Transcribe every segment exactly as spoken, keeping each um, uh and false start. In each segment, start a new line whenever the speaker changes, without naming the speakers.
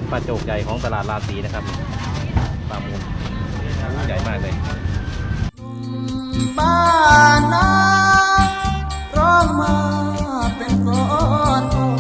ปลาโจกใหญ่ของตลาดราศีนะครับปลามูลใหญ่มากเลย
บ้านนาร้องมาเป็นกลอน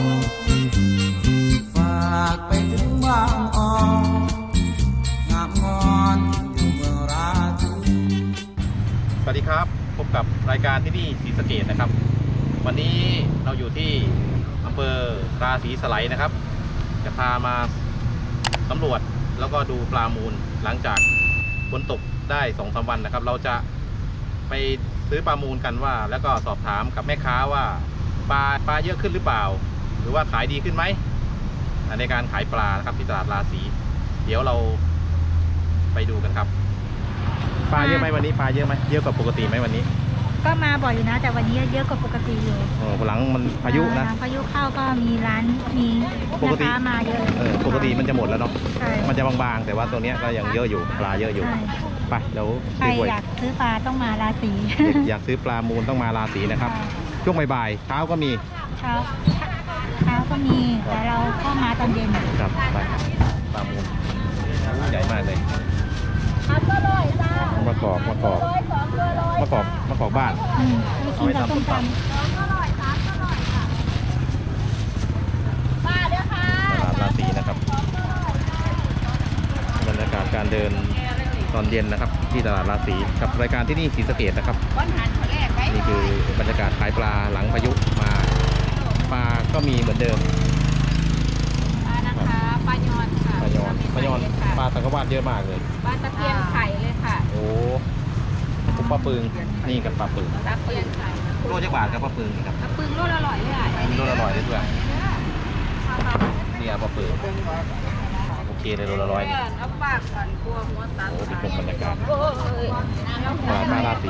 ฝากไปถึงบางอ่อนงามงอนอยู่เมืองราศี
สวัสดีครับพบกับรายการที่นี่ศรีสะเกษนะครับวันนี้เราอยู่ที่อำเภอราศีสไลด์นะครับจะพามาสำรวจแล้วก็ดูปลามูลหลังจากฝนตกได้สองสามวันนะครับเราจะไปซื้อปลามูลกันว่าแล้วก็สอบถามกับแม่ค้าว่าปลาปลาเยอะขึ้นหรือเปล่าหรือว่าขายดีขึ้นไหมในการขายปลานะครับที่ตลาดราศีเดี๋ยวเราไปดูกันครับปลาเยอะไหมวันนี้ปลาเยอะไหมเยอะกว่าปกติไหมวันนี้
ก็มาบ่อยอยู่นะแต่วันนี้เยอะกว่าปกติอยู่
โอ้หลังมันพายุนะ
พายุเข้าก็มีร้านมีลูกค้ามาเยอะ
เออปกติมันจะหมดแล้วเนาะ
ใช่
มันจะบางๆแต่ว่าตัวนี้ก็ยังเยอะอยู่ปลาเยอะอยู่ไปเดี๋ยว
ใครอยากซื้อปลาต้องมาราศี
อยากซื้อปลามูลต้องมาราศีนะครับช่วงบ่ายๆเช้าก็มี
เช้าเช้าก็มีแต่เราก็มาตอนเย็น
ครับไปปลามูลใหญ่มากเลยมะกอกมะกอกมะกอกมะกอกบ้าน
เอาไปทำส้มตำ
ตลาดราศีนะครับบรรยากาศการเดินตอนเย็นนะครับที่ตลาดราศีกับรายการที่นี่ศรีสะเกษนะครับนี่คือบรรยากาศขายปลาหลังพายุมาปลาก็มีเหมือนเดิม
ปลานะคะปลายอนค่ะ
ปลายอนปลายอนปลาตะกวาดเยอะมากเลย
ปลาตะเพียนไข่เลยค่ะ
โอ้ปุ๊บปลาปึงนี่กับปลาปึง
ตะเพียนไข่
โลจักบาทครับปลาปึงนี่ครับ
ปลาปึงโลละร้อยเลยอ่ะ
โลละร้อยเลยด้วยนี่ปลาปึงโอเคเลยโลละร้อยนี่
เอาปากก่อนกลัวหัวตัด
โอ้เป็นชมบรรยากาศ
ป
ลาปลาราศี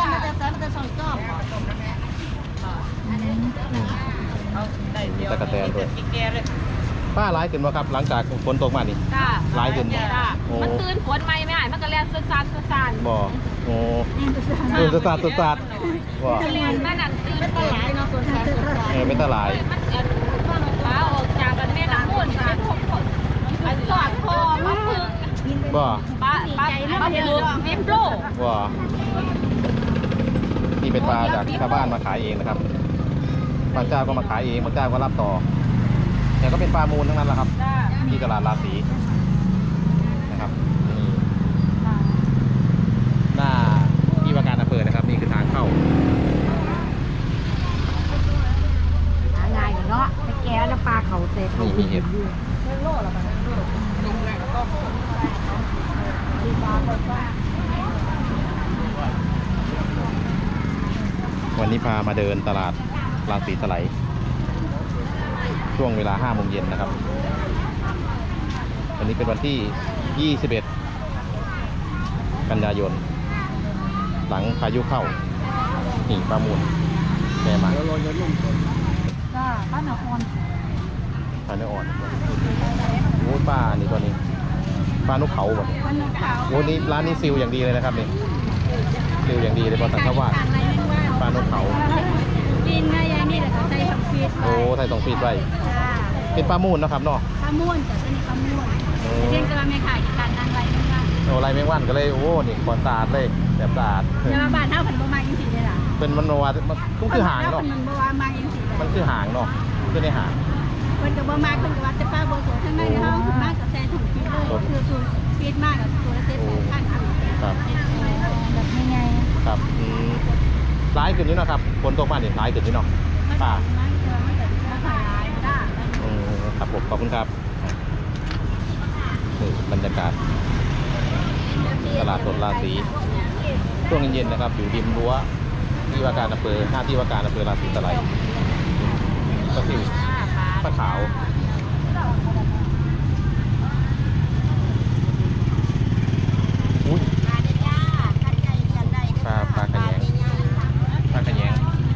ตะกะแตนด้วยป้าร้ายขึ้นวะครับหลังจากฝนตกมานี่ร้ายขึ้น
มันตื่นฝนไหมไม่หายมันก็แล่นสุดซานสุดซาน
บ่โอ้ตื่นสุดซานสุดซาน
บ่แล่นมันนั่นตื่นเป็นตลายเนาะสุดซานสุดซาน
เออเป็นตลาย
มันเอ็นฟ้าออกจากกันแม่น้ำมูลเป็นหกคนอันสอดคอมาพึ่ง
บ่
ป้าป้าป้าพึ่งวิปโล
บ่นี่เป็นปลาจากชาวบ้านมาขายเองนะครับบางเจ้าก็มาขายเองบางเจ้าก็รับต่อแต่ก็เป็นปลามูลทั้งนั้นแหละครับที่ตลาดราศีนะครับนี่หน้าที่ว่าการอำเภอนะครับนี่คือทางเข้า
หาง่ายเนาะไปแก้แล้วปลาเขาเตะ
นี่มีเห็ดวันนี้พามาเดินตลาดราศีสไลด์ช่วงเวลาห้าโมงเย็นนะครับวันนี้เป็นวันที่ยี่สิบเอ็ดกันยายนหลังพายุเข้านี่ปลามูลแม่มา
ก็ป้าหนอ่อน
ปลาเนื้ออ่อนโอ้ปลานี่ตัวนี้ปลานกเขาแบบโอ้นี่ร้านนี้ซิลอย่างดีเลยนะครับนี่ซิลอย่างดีเลยบอสังขวาปลานกเขา
กินง่ายๆนี่แหละใส่สองฟีด
โอ้ใส่สองฟีดไว้เป็นปลามูลนะครับเนาะ
ปลามูลแต่เป็นปลามูลเช่นกระไม่ขายการนางไรแมงวัน
โอ้ไรแมงวันก็เลยโอ้นี่ก่อนสะอาดเลยแบบสะอาด
เนี่ยมาบ้านเท่าผันบะมาอย่างสีเลยล่ะ
เป็นมันว่ามันคือหางเนาะ
มันบะมามาอย่างสี
มันคือหางเนาะคือในหาง
เป็นกับบะมาเป็นกับว่าจะป้าโบโซทั้งในห้องมากกับแซ่ถุงฟีดเลยคือตัวฟีดมากกับตัวเซ็ตข้างข้าง
ครับ
แบบยังไง
ครับร้ายขึ้นนี่นะครับฝนตกมาเนี่ยร้ายขึ้นนี่เนาะป่าครับผมขอบคุณครับนี่บรรยากาศตลาดสดราศีช่วงเย็นๆนะครับอยู่ริมรั้วที่ว่าการอำเภอหน้าที่ว่าการอำเภอราศีสไลด์ก็คือปลาขาวอุ้ยปลาปลาขยงปลาขยง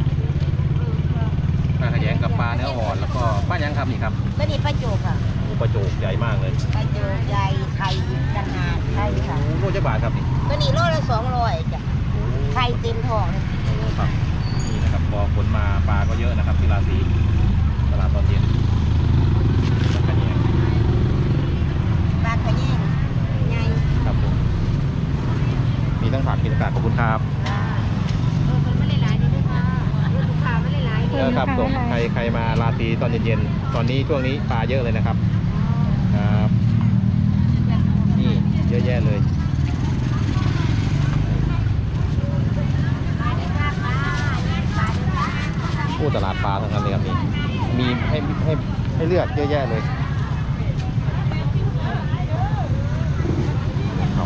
ปลาขยงกับปลาเนื้ออ่อนแล้วก็ปลายังครับนี่ครับ
ตัวนี้ปลาโจกค่ะ
ปลาโจกใหญ่มากเลย
ปลาโจกใหญ่ไข่ขนาดใช่ค่ะ
โลจักบาทครับนี่
ตัวนี้โลละสองร้อยจ้ะไข่เต็มท้องเลย
ครับนี่นะครับพอฝนมาปลาก็เยอะนะครับที่ราศีตลาดตอนเย็นสีตอนเย็นๆตอนนี้ช่วงนี้ปลาเยอะเลยนะครับครับนี่เยอะแยะเลยผู้ตลาดปลาทั้งนั้นเลยครับนี่มีให้ให้ให้เลือกเยอะแยะเลยเขา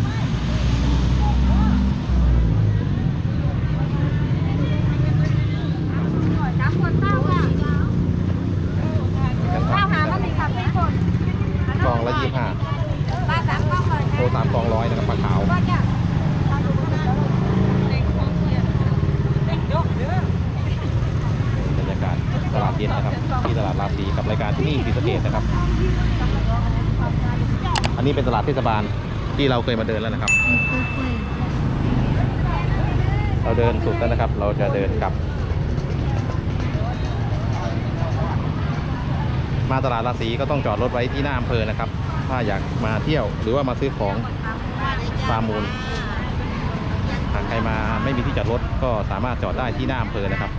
น้ำคนเต้าค่ะข้าวหาบะหมี่ค่ะพี่คน
กองละยี่ห้า
ปลาสามกล่องเลย
โตสามกองร้อยนะครับปลาขาว
ก็จะ
บรรยากาศตลาดเย็นนะครับที่ตลาดราศีกับรายการที่นี่ศรีสะเกษนะครับ อันนี้เป็นตลาดเทศบาลที่เราเคยมาเดินแล้วนะครับ เราเดินสุดแล้วนะครับ เราจะเดินกลับ มาตลาดราศีก็ต้องจอดรถไว้ที่หน้าอำเภอนะครับ ถ้าอยากมาเที่ยวหรือว่ามาซื้อของฟาร์มมูลหากใครมาไม่มีที่จอดรถก็สามารถจอดได้ที่หน้าอำเภอนะครับ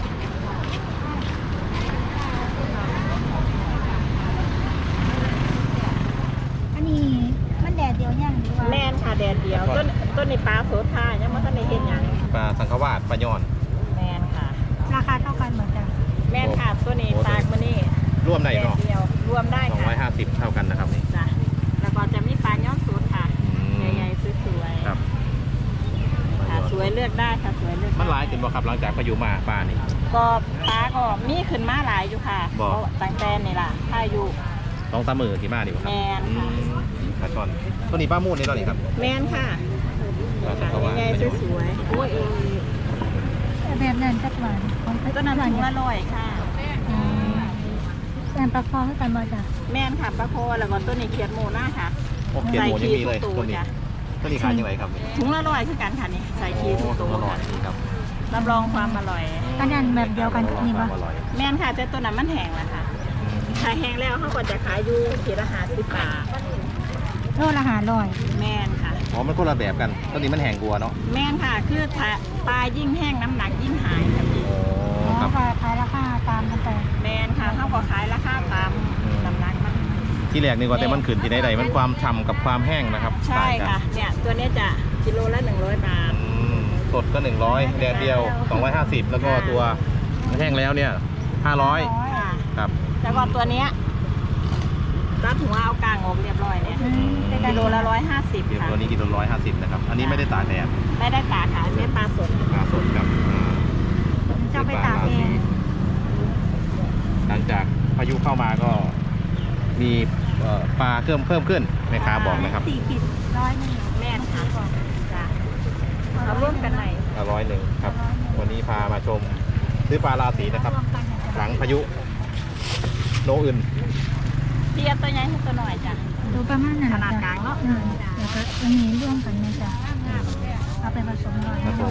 อันนี้มันแดดเดียวยังหรือว่า
แม่นค่ะแดดเดียวต้นต้นในปลาโสธายังไม่ทันได้เห็นอย่าง
ปลาสังขวาสปลาย่อน
แม่นค่ะ
ราคาเท่ากันเหมือนกัน
แม่นค่ะตัวนี้ตากมานี่
ร่วมได้
แดด
เนาะ
เดียวรวมได้
สอง
ค่ะ
ร้อยห้าสิบเท่ากันนะครับนี่
จ้ะแล้วก็จะมีปลาย้อนสูตรค่ะ
อืม
ใหญ่ๆสวยๆ
ครับ
ค่ะสวยเลือกได้ค่ะสวยเลือกได้
มันหลายขึ้นบ่ครับหลังจากพายุมาปลานี่
ก็ปลาก็มีขึ้นมาหลายอยู่ค่ะ
บอก
เพราะตั้งแต่นี่ล่ะถ้าอยู่
สองสามมือที่มาดีกว่าครับ
แม่นค่ะ
อืมปลาช่อนตัวนี้ปลามูดนี่ตัวนี้ครับ
แม่นค่ะ
ปลาสัง
ค่ะ
ขวาส
ใหญ่ๆสวยๆโอ้ย
แบบนั้นจักหวานของ
ต้นนั้นถุงละร้อยค่ะ
แซมปลาคอให้กันบ่จ้ะ
แม่นค่ะปลาโคแล้วก็ต้นนี้เขียดหมูหน้าค่ะ
โอ้เขียนหมูยังมีเลย
ใส่
ตัว
ขี้
นี้
จ้ะ
ตัวนี้ขายยังไงครับนี่
ถุงละร้อยคือกันค่ะนี่ใส่ขี้ทุกตัว
อร่อย
ค่ะ
ดีครับ
รับรองความอร่อย
อันนั้นแบบเดียวกันกับนี่
ค
บ่
วามอร่อย
แม่นค่ะแต่ตัวนั้นมันแห้งแล้วค่ะขายแห้งแล้วเขาก็จะขายอยู่ขีดละห้าสิบบาท
โลละหาร้อย
แม่นค่ะ
อ๋อมันคนละแบบกันตัวนี้มันแห้งกลัวเนาะ
แม่นค่ะ คือถ้าปลายิ่งแห้งน้ำหนักยิ่งหายค่ะพี่
โอ้
อ๋อ
ครับ
ขายขายราคาตามกันไป
แม่นค่ะเขาก็ขายราคาตามน้ำหนักมัน
ที่แรกนี่ว่าแต่มันขึ้นที่ใดๆมันความฉ่ำกับความแห้งนะครับ
ใช่
ต่างกัน
ค่ะ เนี่ยตัวเนี้ยจะกิโลละหนึ่งร้อยบาท
อืมสดก็หนึ่งร้อยแดดเดียวสองร้อยห้าสิบแล้วก็ตัวแห้งแล้วเนี่ยห้าร้อย
ค่ะ
ครับ
แล้วก็ตัวเนี้ยรัดหัวเอากลางออกเรียบร้อยเนี่ย
อืมเป็นการ
กิโลละร้อยห้าสิบ
เดี๋ยว
ค่ะ
ตัวนี้กิโลร้อยห้าสิบนะครับ อันนี้ไม่ได้ตากแดด
ไม่ได้ตากค่ะอันนี้ปลาสด
ปลาสดครับอ่า
จะไปตากเอง
หลังจากพายุเข้ามาก็มีเอ่อปลาเพิ่มเพิ่มขึ้นแม่ค้าบอกนะครับ
สี่ขีดร้อยหนึ่ง
แม่นค่ะจ้ะเอาร่วมกันหน่อย
ร้อยหนึ่งครับ วันนี้พามาชมซื้อปลาราศีนะครับ
รวมกันเนี่ย
หลังพายุโนอื่น
เทียบตัวใหญ่ให้ตัวหน่อยจ้ะ
ดูประมาณนั้น
ขนาดกลางเนอะ
อืมแล้วก็อันนี้ร่วมกันนะจ๊ะเอาไปผสมหน่อย
ครับผม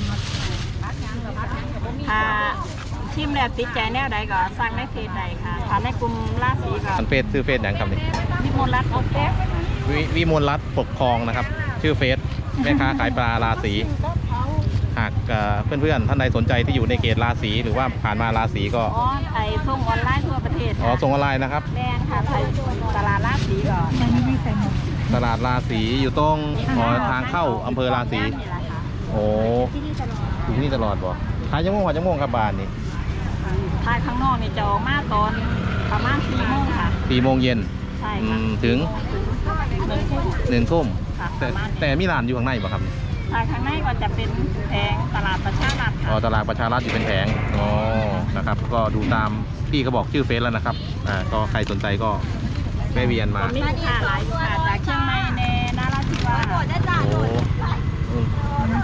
ถ้าทีมแล้วติดใจแนวใดก็สั่งในเฟซใดค่ะถ้าในกลุ่มราศีก็
อันเฟซซื้อเฟซอย่างครับนี่
วิมลรัตน์โอเค
วิวิมลรัตน์ปกครองนะครับ ชื่อเฟซแม่ค้าขายปลาราศีหากเอ่อเพื่อนๆท่านใดสนใจที่อยู่ในเขตราศีหรือว่าผ่านมาราศีก็
อ๋อไทยส่งออนไลน์ทั่วประเทศ
อ๋อส่งออนไลน์นะครับ
แม่นค่ะไทยตลาดราศีก่อน
ยังไม่ได้ใส่หมด
ตลาดราศีอยู่ตรงอ๋อทางเข้าอำเภอราศี
นี่แหละค่ะ
โอ้
ที่นี่ตลอด
อยู่ที่นี่ตลอดบ่ขายจังม่วงขายจังม่วงครับบ้านนี่
ทายข้างนอกนี่จะออกมาตอนประมาณสี่โมงค่ะ
สี่โมงเย็น
ใช่
อื
ค่ะ
มถึง
หนึ่งทุ่ม
หนึ่งทุ่ม
ค่ะ
แต่แต่มีร้านอยู่ข้างในบ่ครับ
ทายข้างในก็จะเป็นแผงตลาดประชารัฐ
อ๋อ
ค่ะ
ตลาดประชารัฐอยู่เป็นแผงอ๋อนะครับ ก็ดูตามพี่เขาบอกชื่อเฟซแล้วนะครับอ่าก็ใครสนใจก็แวะเวียนมา
มีลูกค้าหลายลูกค้าจากเชียงใหม่ในนาราธิวาส
โอ้อืม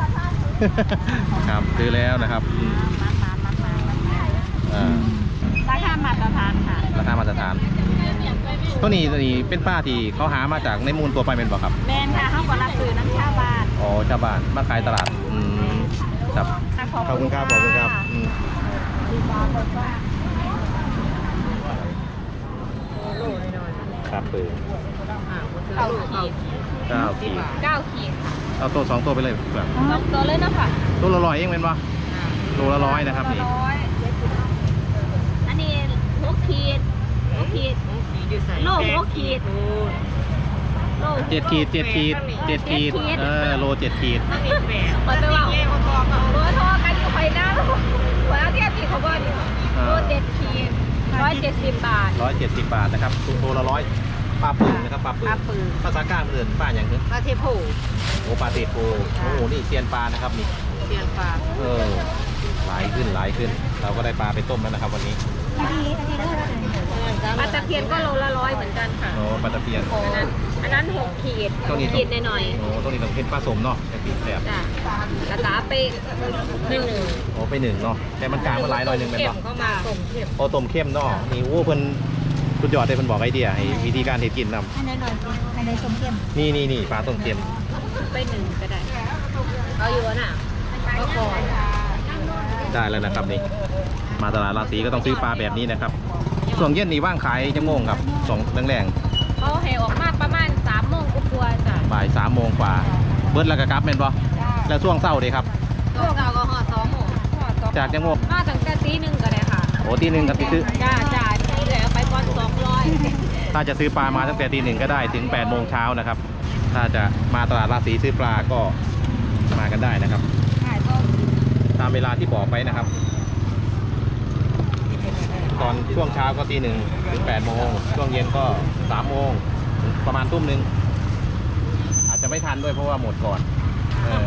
ครับซื้อแล้วนะครับอืม
มามามามามามา
อ่า
ราคามาตรฐานค่ะ
ราคามาตรฐานตัวนี้ตัวนี้เป็นป้าที่เขาหามาจากในมูลตัวไปเป็นบ่ครับ
แมนค่ะเขาก็รับซื้อน้ำชาวบ้าน
อ๋อชาวบ้านมาขายตลาดอืมครับขอบคุณครับขอบคุณครับอืมครับปืน
เก้าขีด
เก้าขีด
เก้าขีดค่ะ
เอาตัวสองตัวไปเลยแบบ
สองตัวเลยเนาะค่ะ
ตัวละร้อยเองเป็นปะตัวละร้อยนะครับนี่
ร้อยอันนี้ขีดหกขีดโลหกขีดโล
เจ็ดขีดเจ็ดขีดเจ็ดขีดเออโลเจ็ดขีด
มันไปว่าเบอร์โทรกันอยู่ไปหน้าหัวเทียบขีดเขาบอกอยู่โลเจ็ดขีดร้อยเจ็ดสิบบาท
ร้อยเจ็ดสิบบาทนะครับตัวโลละร้อยปลาปืนนะครับปลาปืน
ปลาปืน
ภาษากลางเอื่นป้าอย่างนึง
ปลาเทโพ
โอ้ปลาเตโพโอ้โหนี่เซียนปลานะครับนี่
เสียงปลา
เออหลายขึ้นหลายขึ้น เราก็ได้ปลาไปต้มแล้วนะครับวันนี้
ปลาตะเพียนก็โลละร้อยเหมือนกันค่ะ
โอ้ปลาตะเพียน
อันนั้นอันนั้นหกขีด
ตัวนี้
ขีดหน่อย
โอ้ตัวนี้ต้องเป็นปลาสมเนาะแต่ปีแสบ
ๆจ้ะกระตาไปหนึ่ง
โอ้ไปหนึ่งเนาะแต่มันกลางมันหลายหน่อยหนึ่งเป็น
เข็ม
เนาะ
เข้ามาส่งเข็ม
โอ้ต้มเข้มเนาะนี่โอ้เพิ่นสุดยอดเลยเพิ่นบอกไอเดียให้วิธีการเฮ็ดกินนำ
อันไหนหน่อยอันไหนส้มเข้ม
นี่นี่นี่ปลาต้มเข้ม
ไปหนึ่งก็ได้เอาอยู่น่ะก็ก่อน
ได้แล้วนะครับนี่มาตลาดราศีก็ต้องซื้อปลาแบบนี้นะครับช่วงเย็นนี่ว่างขายจังโมงครับสองแรง
เขาให้ออกมาประมาณสามโมงก็กลัวๆจ้ะ
ๆบ่ายสามโมงกว่าเบิดแล้วก็กลับแม่นบ่แล้วช่วงเช้าเด้ครับ
ตัวเก่าก็ห่อสองโมง
จากจังโมง
มาตั้งแต่ตีหนึ่งก็ได้ค่ะ
โอ้ตีหนึ่งก็ซื้อ
จ้าจ้าที่เหลือไปก่อนสองร้อย
ถ้าจะซื้อปลามาตั้งแต่ตีหนึ่งก็ได้ถึงแปดโมงเช้านะครับถ้าจะมาตลาดราศีซื้อปลาก็มากันได้นะครับตามเวลาที่บอกไปนะครับ ตอนช่วงเช้าก็ตีหนึ่งถึงแปดโมงช่วงเย็นก็สามโมงประมาณทุ่มหนึ่งอาจจะไม่ทันด้วยเพราะว่าหมดก่อนเออ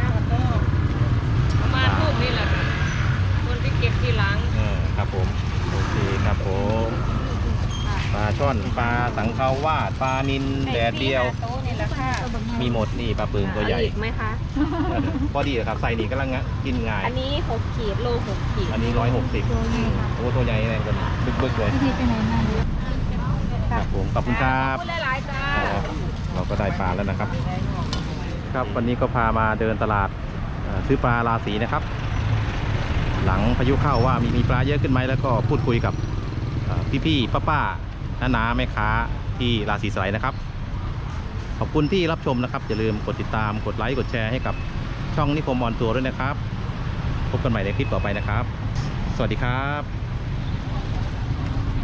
ประมาณทุ่มนี่แหละค่ะคนที่เก็บทีหลัง
เออครับผมโอเคครับผมปลาช่อนปลาสังขาวาดปลานิลแดดเดียว
โต๊ะนี่แหละค่ะ
มีหมดนี่ปลาปึงตัวใหญ่
เอาอีกไหมคะ
พอดีเลยครับใส่นี่กำลังกินง่าย
อันนี้หกขีดโลหกขีด
อันนี้ร้อยหกสิบโอ้ตัวใหญ่แรงกันบึกๆเลย
ที่ไปไหนมาเนี่ย
ครับผมขอบคุณครับ
ขอบคุณหลายๆจ้า
ครับเราก็ได้ปลาแล้วนะครับ ครับวันนี้ก็พามาเดินตลาดเอ่อซื้อปลาราศีนะครับ หลังพายุเข้าว่ามีมีปลาเยอะขึ้นไหมแล้วก็พูดคุยกับเอ่อพี่ๆป้าๆน้าๆแม่ค้าที่ราศีสไลด์นะครับ ขอบคุณที่รับชมนะครับอย่าลืมกดติดตามกดไลค์กดแชร์ให้กับช่องนิคมออนทัวร์ด้วยนะครับ พบกันใหม่ในคลิปต่อไปนะครับ สวัสดีครับ